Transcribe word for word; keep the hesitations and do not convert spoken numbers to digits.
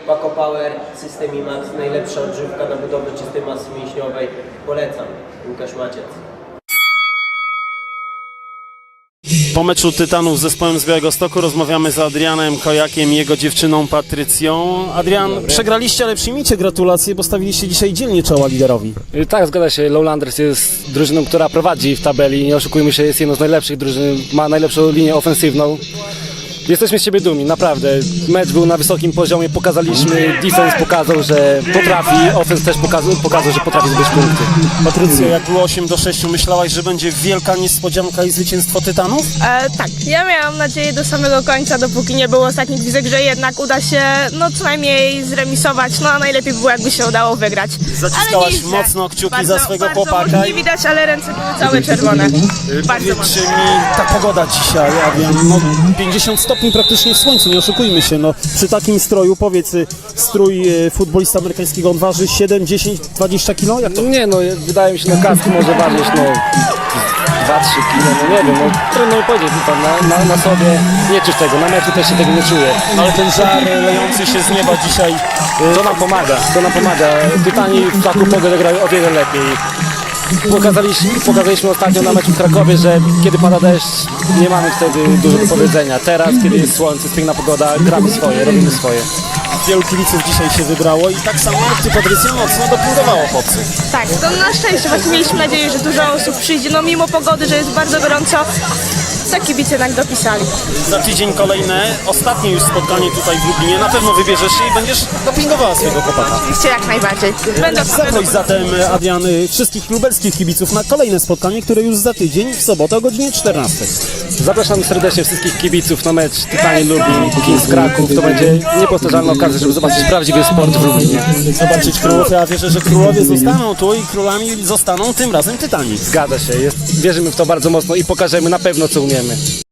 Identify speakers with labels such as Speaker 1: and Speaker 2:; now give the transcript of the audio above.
Speaker 1: Paco Power, System IMAX, najlepsza odżywka na budowę czystej masy mięśniowej. Polecam. Łukasz Maciec.
Speaker 2: Po meczu Tytanów z zespołem z Białegostoku rozmawiamy z Adrianem Kojakiem i jego dziewczyną Patrycją. Adrian, przegraliście, ale przyjmijcie gratulacje, bo stawiliście dzisiaj dzielnie czoła liderowi.
Speaker 3: Tak, zgadza się. Lowlanders jest drużyną, która prowadzi w tabeli. Nie oszukujmy się, jest jedną z najlepszych drużyn, ma najlepszą linię ofensywną. Jesteśmy z siebie dumni, naprawdę. Mecz był na wysokim poziomie, pokazaliśmy, defense pokazał, że potrafi, offense też pokazał, pokazał że potrafi zdobyć punkty.
Speaker 2: Patrycja, jak było osiem do sześciu, myślałaś, że będzie wielka niespodzianka i zwycięstwo Tytanów?
Speaker 4: E, tak, ja miałam nadzieję do samego końca, dopóki nie było ostatnich gwizdek, że jednak uda się no co najmniej zremisować, no a najlepiej by było, jakby się udało wygrać.
Speaker 2: Zaciskałaś
Speaker 4: Ale nie źle.
Speaker 2: mocno kciuki
Speaker 4: bardzo,
Speaker 2: za swego
Speaker 4: bardzo,
Speaker 2: chłopaka.
Speaker 4: może nie widać, ale ręce były całe czerwone. Bardzo
Speaker 2: Powiedzcie
Speaker 4: mocno.
Speaker 2: mi, ta pogoda dzisiaj, Adrian, no pięćdziesiąt stopni praktycznie w słońcu, nie oszukujmy się, no przy takim stroju, powiedz, strój e, futbolista amerykańskiego, on waży siedem, dziesięć, dwadzieścia kilo? Jak to?
Speaker 3: Nie no, wydaje mi się, no kaski może ważyć, no dwa trzy kilo, no nie wiem, no trudno mi powiedzieć, no, na, na, na sobie nie czuć tego, na meczu też się tego nie czuję.
Speaker 2: No ale ten żar lejący się z nieba dzisiaj, e,
Speaker 3: To nam pomaga, to nam pomaga. Tytani w taką pogodę grają o wiele lepiej. Pokazaliśmy, pokazaliśmy ostatnio na meczu w Krakowie, że kiedy pada deszcz, nie mamy wtedy dużo do powiedzenia. Teraz, kiedy jest słońce, jest piękna pogoda, gramy swoje, robimy swoje.
Speaker 2: wielu kibiców dzisiaj się wybrało i tak samo jak ty, Patrycja, mocno dopingowało chłopcy.
Speaker 4: Tak, to na szczęście właśnie mieliśmy nadzieję, że dużo osób przyjdzie, no mimo pogody, że jest bardzo gorąco, to kibice jednak dopisali.
Speaker 2: Za tydzień kolejne, ostatnie już spotkanie tutaj w Lublinie, na pewno wybierzesz się i będziesz dopingowała swojego chłopaka.
Speaker 4: Oczywiście jak najbardziej. Będą
Speaker 2: Zaproś zatem, Adrian, wszystkich lubelskich kibiców na kolejne spotkanie, które już za tydzień, w sobotę o godzinie czternastej.
Speaker 3: Zapraszam serdecznie wszystkich kibiców na mecz Tytani Lublin, Kings Kraków. To będzie niepowtarzalna okazja, żeby zobaczyć prawdziwy sport w Lublinie.
Speaker 2: Zobaczyć królów, ja wierzę, że królowie zostaną tu i królami zostaną tym razem Tytani.
Speaker 3: Zgadza się, jest, wierzymy w to bardzo mocno i pokażemy na pewno, co umiemy.